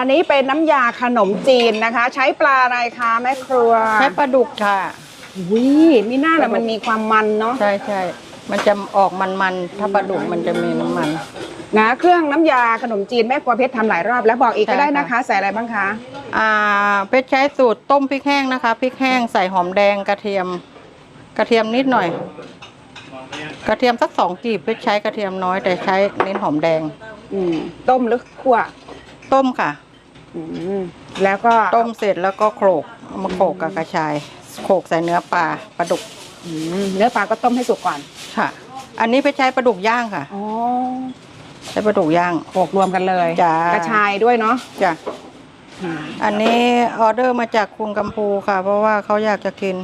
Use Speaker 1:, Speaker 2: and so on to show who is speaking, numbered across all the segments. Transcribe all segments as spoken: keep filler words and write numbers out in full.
Speaker 1: อันนี้เป็นน้ำยาขนมจีนนะคะ ใช้ปลาอะไรคะแม่ครัว
Speaker 2: ใช้ปลาดุกค่ะ
Speaker 1: วิมีหน้าแล้วมันมีความมันเนาะ
Speaker 2: ใช่ใช่มันจะออกมันๆถ้าปลาดุกมันจะมีน้ำมัน
Speaker 1: นะเครื่องน้ำยาขนมจีนแม่ครัวเพชรทำหลายรอบแล้วบอกอีกก็ได้นะคะใส่อะไรบ้างคะ
Speaker 2: อ่าเพชรใช้สูตรต้มพริกแห้งนะคะพริกแห้งใส่หอมแดงกระเทียมกระเทียมนิดหน่อยกระเทียมสักสองกีบเพชรใช้กระเทียมน้อยแต่ใช้เน้นหอมแดง
Speaker 1: อืมต้มหรือคั่ว
Speaker 2: ต้มค่ะ
Speaker 1: อืมแล้วก็
Speaker 2: ต้มเสร็จแล้วก็โขลกเอามาโขลกกับกระชายโขลกใส่เนื้อปลาปลาดุก
Speaker 1: เนื้อปลาก็ต้มให้สุกก่อน
Speaker 2: ค่ะอันนี้เพชรใช้ปลาดุกย่างค่ะ
Speaker 1: อ๋อ
Speaker 2: ใช้ปลาดุกย่าง
Speaker 1: โขลกรวมกันเลย
Speaker 2: จ้าก
Speaker 1: ระชายด้วยเนาะ
Speaker 2: จ้ะอันนี้ออเดอร์มาจากคุณกัมพูค่ะเพราะว่าเขาอยากจะกิน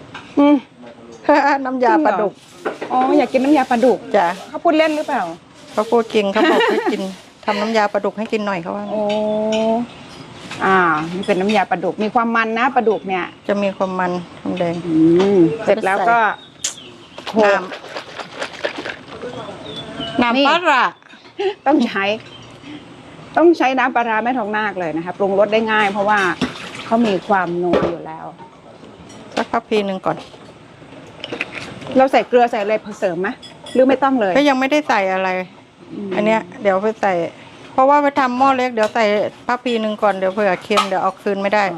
Speaker 2: น้ำยาปลาดุก
Speaker 1: อ๋ออยากกินน้ำยาปลาดุก
Speaker 2: จ้ะ
Speaker 1: เขาพูดเล่นหรือเปล่า
Speaker 2: เขาพูดจริงเขาบอกให้กินทำน้ำยาปลาดุกให้กินหน่อยเขาว่า
Speaker 1: โอ้อ่านี่เป็นน้ำยาปลาดุกมีความมันนะปลาดุกเนี่ย
Speaker 2: จะมีความมันหอมแดง
Speaker 1: เสร็จแล้วก็
Speaker 2: น้ำน้ำปลาร้า
Speaker 1: ต้องใช้ต้องใช้น้ำปลาร้าแม่ทองนาคเลยนะคะปรุงรสได้ง่ายเพราะว่าเขามีความนัวอยู่แล้ว
Speaker 2: สักพักพีหนึ่งก่อน
Speaker 1: เราใส่เกลือใส่อะไรเสริมไหมหรือไม่ต้องเลย
Speaker 2: ก็ยังไม่ได้ใส่อะไรอันเนี้ยเดี๋ยวไปใส่เพราะว่าไปทำหม้อเล็กเดี๋ยวใส่พักพีหนึ่งก่อนเดี๋ยวเผื่อเค็มเดี๋ยวเอาคืนไม่ได้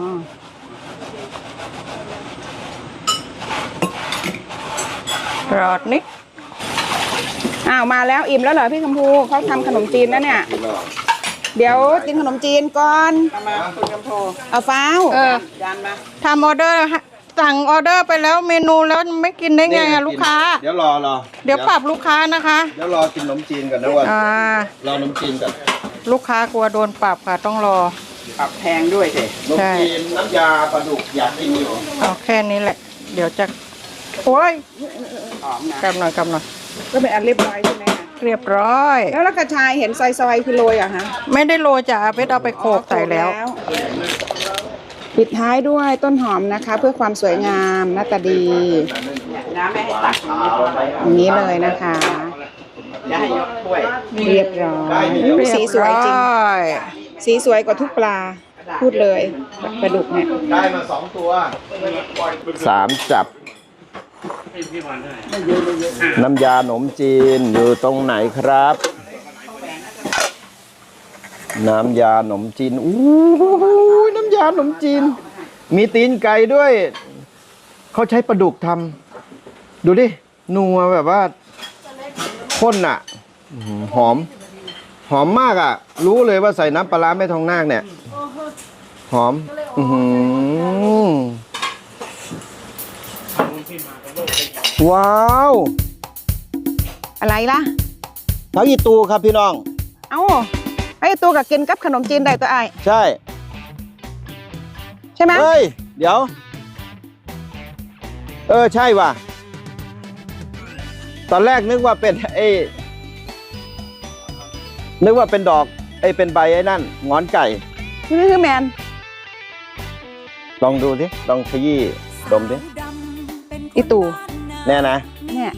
Speaker 2: รอดนิด
Speaker 1: อ้าวมาแล้วอิ่มแล้วเหรอพี่คำพูเขาทำขนมจีนแล้วเนี่ยเดี๋ยวกินขนมจีนก่อนเอาฟ้าว
Speaker 2: เออทำออเดอร์สั่งออเดอร์ไปแล้วเมนูแล้วไม่กินได้ไงอะลูกค้า
Speaker 3: เดี๋ยวรอรอ
Speaker 2: เดี๋ยวปรับลูกค้านะคะ
Speaker 3: เดี๋ยวรอกินขนมจีนก่อนนะวันรอขนมจีนก่อน
Speaker 2: ลูกค้ากลัวโดนปรับค่ะต้องรอ
Speaker 1: ปรับแพงด้วยสิ
Speaker 3: ขนมจีนน้ำยาปลาดุกอยากกินอยู่
Speaker 2: เอาแค่นี้แหละเดี๋ยวจะโอ้ยกำหน่อยกำหน่อย
Speaker 1: ก็เป็นอันเรียบร้อยใช่ไหม
Speaker 2: เรียบร้อย
Speaker 1: แล้วกระชายเห็นซอยๆคือโรยอะฮะ
Speaker 2: ไม่ได้โรยจ้ะเพชรเอาไปโขลกใส่แล้ว
Speaker 1: ปิดท้ายด้วยต้นหอมนะคะเพื่อความสวยงามหน้าตาดีน้ำไม่ให้ตักอย่างนี้เลยนะคะเรียบร้อยสีสวยจริงสีสวยกว่าทุกปลาพูดเลยปลาดุกเนี่ย
Speaker 3: ได้มาสองตัวสามจับน้ำยาขนมจีนอยู่ตรงไหนครับน้ำยาขนมจีนอู้น้ำยาขนมจีนมีตีนไก่ด้วยเขาใช้ปลาดุกทำดูดินัวแบบว่าข้นอ่ะหอมหอมมากอ่ะรู้เลยว่าใส่น้ำปลาร้าแม่ทองนาคเนี่ยหอมอือว้าว
Speaker 1: อะไรล่ะ
Speaker 3: ผักอีตูครับพี่น้อง
Speaker 1: เอ้าไอ้ตัวกับกินกับขนมจีนได้ตัวไอ้
Speaker 3: ใช่
Speaker 1: ใช่ไหม
Speaker 3: เฮ้ยเดี๋ยวเออใช่ว่ะตอนแรกนึกว่าเป็นไอ้นึกว่าเป็นดอกไอ้เป็นใบไอ้นั่นงอนไก่
Speaker 1: นี่คือแมน
Speaker 3: ลองดูสิลองขยี้ดมสิ
Speaker 1: อีตู
Speaker 3: แน่นะ
Speaker 1: เนี่ย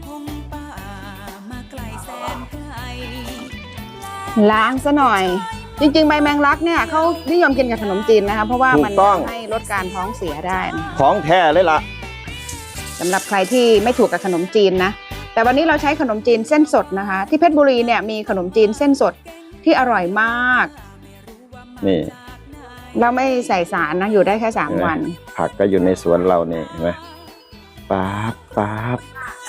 Speaker 1: ล้างซะหน่อยจริงๆใบแมงลักเนี่ยเขานิยมกินกับขนมจีนนะคะเพราะว่ามันให้ลดการท้องเสียได้
Speaker 3: ของแท้เลยล่ะ
Speaker 1: สำหรับใครที่ไม่ถูกกับขนมจีนนะแต่วันนี้เราใช้ขนมจีนเส้นสดนะคะที่เพชรบุรีเนี่ยมีขนมจีนเส้นสดที่อร่อยมาก
Speaker 3: นี่
Speaker 1: เราไม่ใส่สารนะอยู่ได้แค่สามวัน
Speaker 3: ผักก็อยู่ในสวนเราเนี่ยเห็นไหมป๊าบป๊าบ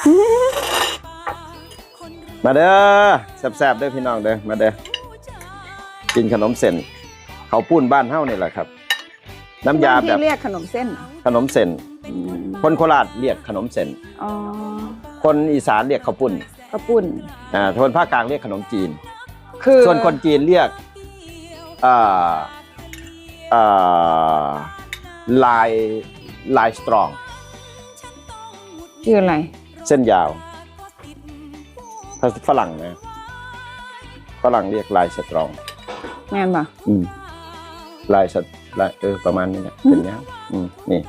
Speaker 3: มาเด้อแซ่บๆเด้อพี่น้องเด้อมาเด้อกินขนมเส้นเขาปุ้นบ้านเฮ้านี่แหละครับน้ำยาแบบ
Speaker 1: ที่เรียกขนมเส้น
Speaker 3: ขนมเส้นคนโคราชเรียกขนมเส้นคนอีสานเรียกข้าวปุ้น
Speaker 1: ข้าวปุ้น
Speaker 3: อ่าคนภาคกลางเรียกขนมจีนคือส่วนคนจีนเรียกอ่าอ่าลายลายสตรอง
Speaker 1: คืออะไร
Speaker 3: เส้นยาวภาษาฝรั่งนะฝรั่งเรียกลายสตรอง
Speaker 1: แม่นป่ะ
Speaker 3: อืมลายสลายเออประมาณนี้นะเป็นเนี้ยอืมนี่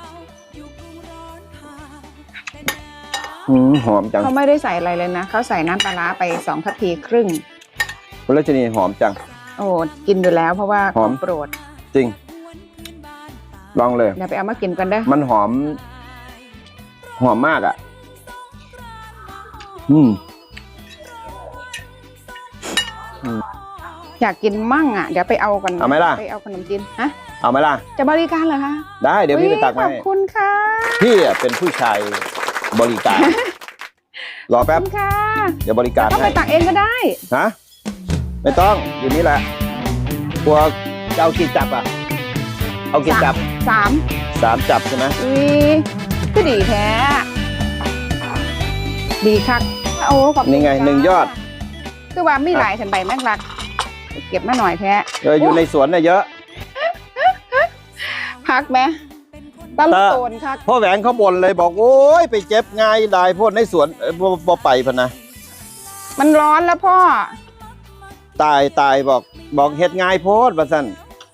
Speaker 3: หอมจัง
Speaker 1: เขาไม่ได้ใส่อะไรเลยนะเขาใส่น้ำปลาร้าไปสองทัพพีครึ่ง
Speaker 3: คุณรัชนีหอมจัง
Speaker 1: โอ้กินอยู่แล้วเพราะว่า
Speaker 3: หอม
Speaker 1: โปรด
Speaker 3: จริง ลองเลย
Speaker 1: เดี๋ยวไปเอามากินกันเด้อ
Speaker 3: มันหอม หอมมากอ่ะ อืม
Speaker 1: อยากกินมั่งอ่ะเดี๋ยวไปเอากัน
Speaker 3: เอาไหมล่ะ
Speaker 1: ไปเอาขนมจีนฮะ
Speaker 3: เอาไหมล่ะ
Speaker 1: จะบริการเหรอคะ
Speaker 3: ได้เดี๋ยวพี่ไปตัก
Speaker 1: ข
Speaker 3: มา
Speaker 1: อบ
Speaker 3: ให้
Speaker 1: คุณค่ะ
Speaker 3: พี่อะเป็นผู้ชายบริการ รอ
Speaker 1: ขอบ
Speaker 3: แป๊บ
Speaker 1: คุณค่ะ
Speaker 3: เดี๋ยวบริการ
Speaker 1: ต้องไป
Speaker 3: ให้
Speaker 1: ตักเองก็ได้
Speaker 3: ฮะไม่ต้องอยู่นี่แหละกลัวจะเอากี่จับอ่ะ เอากี่จับ
Speaker 1: สาม
Speaker 3: สามจับใช่ไหม
Speaker 1: อุ้ยก็ดีแท้ ดีคักโอ้ขอบคุณ
Speaker 3: นี่ไง
Speaker 1: จ้า
Speaker 3: หนึ่งยอด
Speaker 1: คือว่าไม่หลายฉันใบแม่งรัก เก็บมาหน่อยแท้
Speaker 3: เอออยู่ในสวนเนี่ยเยอะ
Speaker 1: พักไหมตลโซนคัก
Speaker 3: พ่อแหวงเขาบ่นเลยบอกโอ้ยไปเจ็บไงได้พวกในสวนเอ้ยบ่บ่ไปพะนะ
Speaker 1: มันร้อนแล้วพ่อ
Speaker 3: ตายตายบอกบอกเฮ็ดง่ายโพดว่าซั่น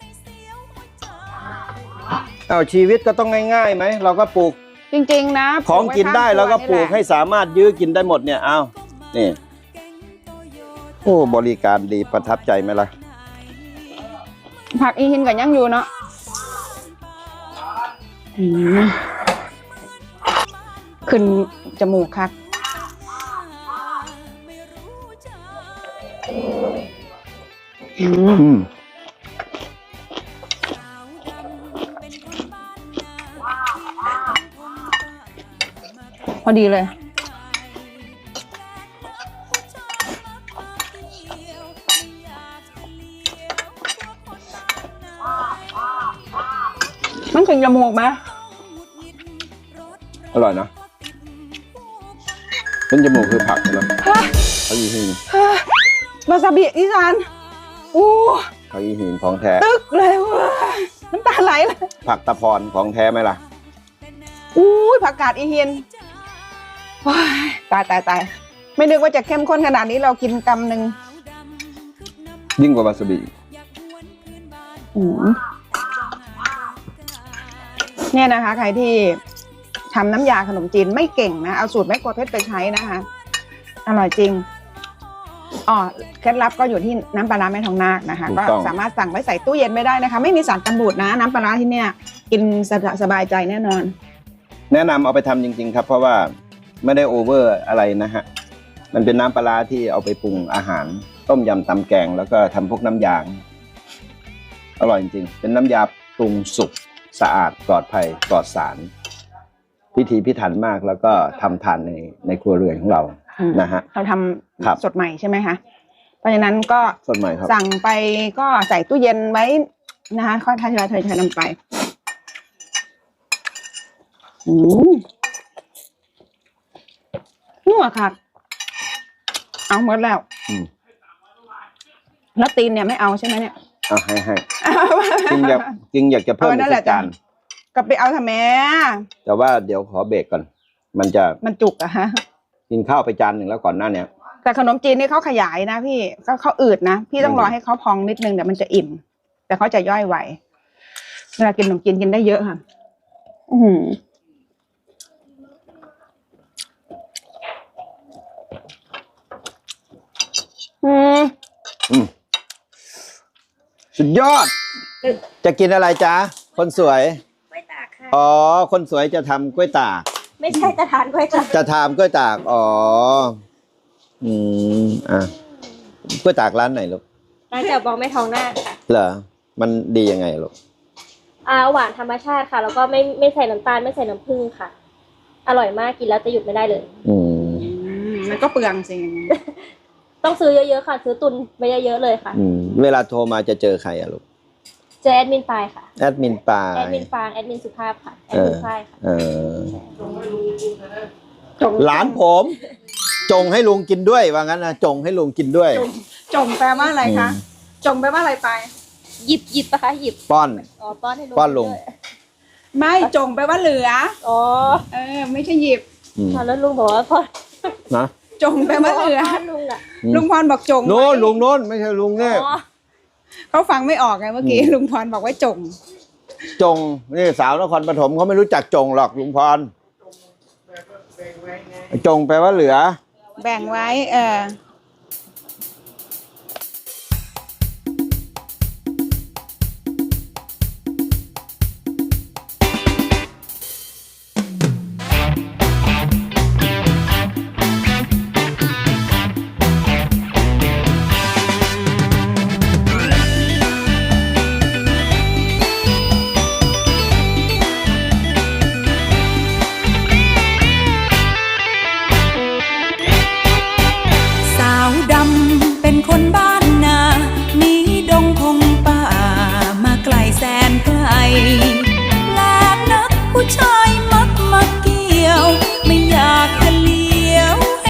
Speaker 3: เอาชีวิตก็ต้องง่ายๆไหมเราก็ปลูก
Speaker 1: จริงๆนะ
Speaker 3: ของกินได้เราก็ปลูกให้สามารถยื้อกินได้หมดเนี่ยเอานี่โอ้บริการดีประทับใจไหมล่ะ
Speaker 1: ผักอีหินกับยังอยู่เนาะอืมขึ้นจมูกคักอืม
Speaker 3: อืม
Speaker 1: พอดีเลยมันถึงจมูกไหม
Speaker 3: อร่อยนะเป็นจมูกคือผักใช่ไหมเขายีหิน
Speaker 1: วาซาบิอีสานอู้
Speaker 3: เขายีหินของแท้
Speaker 1: ตึกเลยเว้ยน้ำตาไหลเลย
Speaker 3: ผักตะพรของแท้ไหมล่ะ
Speaker 1: อู้ยผักกาดอีเฮียนว้ายตายตายตายไม่นึกว่าจะเข้มข้นขนาดนี้เรากินกำหนึ่ง
Speaker 3: ยิ่งกว่าวาซาบิ
Speaker 1: อืมเนี่ยนะคะ ใครที่ทำน้ำยาขนมจีนไม่เก่งนะ เอาสูตรแม่ครัวเพชรไปใช้นะคะ อร่อยจริงอ๋อเคล็ดลับก็อยู่ที่น้ำปลาร้าแม่ทองนาคนะคะ ก็สามารถสั่งไว้ใส่ตู้เย็นไม่ได้นะคะ ไม่มีสารกันบูดนะ น้ำปลาร้าที่เนี่ย กินสบายใจแน่นอน
Speaker 3: แนะนำเอาไปทำจริงๆครับ เพราะว่าไม่ได้โอเวอร์อะไรนะฮะมันเป็นน้ำปลาร้าที่เอาไปปรุงอาหาร ต้มยำตำแกงแล้วก็ทำพวกน้ำยางอร่อยจริงๆเป็นน้ำยาปรุงสุกสะอาดปลอดภัยปลอดสารพิถีพิถันมากแล้วก็ทำทานในในครัวเรือนของเรา
Speaker 1: อืม
Speaker 3: นะฮะ
Speaker 1: เราท
Speaker 3: ครับ
Speaker 1: ำสดใหม่ใช่ไหมคะ เพราะฉะนั้นก็
Speaker 3: สดใหม่ครับ
Speaker 1: สั่งไปก็ใส่ตู้เย็นไว้นะคะค่อยทยอยทยอยนำไปอืมนัวค่ะ เอาหมดแล้ว
Speaker 3: อืม
Speaker 1: แล้วตีนเนี่ยไม่เอาใช่ไหมเนี่ย
Speaker 3: อ่ะให้ให้จริงอยากจริงอยากจะเพิ่ม
Speaker 1: เอานั่นแห
Speaker 3: สั
Speaker 1: ละ
Speaker 3: กจาน
Speaker 1: ก็ไปเอาทำไม
Speaker 3: แต่ว่าเดี๋ยวขอเบรกก่อน มันจะ
Speaker 1: มันจุกอะฮะ
Speaker 3: กินข้าวไปจานหนึ่งแล้วก่อนหน้าเนี้ย
Speaker 1: แต่ขนมจีนนี่เขาขยายนะพี่เขาเขาอืดนะพี่ต้องรอให้เขาพองนิดนึงเดี๋ยวมันจะอิ่ม แต่เขาจะย่อยไหวเวลากินขนมจีนกินได้เยอะค่ะ อือหืออืม
Speaker 3: อืมสุดยอด จะกินอะไรจ๊ะ คนสวย
Speaker 4: กล้วยตากค่ะ
Speaker 3: อ๋อ คนสวยจะทำกล้วยตาก
Speaker 4: ไม่ใช่จะทานกล้วยตาก
Speaker 3: จะทำกล้วยตาก อ๋อ อืม อ่ะกล้วยตากร้านไหนลูก
Speaker 4: ร้านเจ้าบองไม่ทองหน้าค่ะ
Speaker 3: เหรอ มันดียังไงลูก
Speaker 4: อ่าหวานธรรมชาติค่ะ แล้วก็ไม่ไม่ใส่น้ำตาลไม่ใส่น้ำผึ้งค่ะ อร่อยมากกินแล้วจะหยุดไม่ได้เลย
Speaker 3: อืม
Speaker 1: มันก็เปลืองสิ
Speaker 4: ต้องซื้อเยอะๆค่ะ ซื้อตุนไว้เยอะๆเลยค่ะ
Speaker 3: อืม เวลาโทรมาจะเจอใครอะลูก
Speaker 4: เจอแอดมินปายค่ะ
Speaker 3: แอดมินปลา
Speaker 4: แอด
Speaker 3: ย
Speaker 4: มินฟางแอดมินสุภาพค่ะแอด
Speaker 3: เอ
Speaker 4: มิ
Speaker 3: อน
Speaker 4: ฝ้ายค่ะ
Speaker 3: เออ หลานผม จงให้ลุงกินด้วยว่างั้นนะจงให้ลุงกินด้วย
Speaker 1: จงแปลว่าอะไรคะ
Speaker 3: อืม
Speaker 1: จงแปลว่าอะไรไป
Speaker 4: หยิบหยิบปะคะหยิบ
Speaker 3: ป้อน
Speaker 4: อ๋อป้อนให้ลุง
Speaker 3: ป้อนลุง
Speaker 4: ด้วย
Speaker 1: ไม่จงแปลว่าเหลือ
Speaker 4: อ๋อ
Speaker 1: เออ ไม่ใช่หยิบ
Speaker 3: อืม
Speaker 4: แล้วลุงบอกว่าป้อน
Speaker 3: นะ
Speaker 1: จงแปลว่าเหลือ
Speaker 4: ป้อนลุงอ่ะ
Speaker 3: อืม
Speaker 1: ลุงพรบอกจง
Speaker 3: โน้น
Speaker 1: ไว้
Speaker 3: ลุงโน้นไม่ใช่ลุงเนี่ย
Speaker 4: อ๋อ
Speaker 1: เขาฟังไม่ออกไงเมื่อกี้
Speaker 3: อืม
Speaker 1: ลุงพรบอกว่าจง
Speaker 3: จงนี่สาวนครปฐมเขาไม่รู้จักจงหรอกลุงพรจงแปลว่าเหลือ
Speaker 1: แบ่งไว้ เออ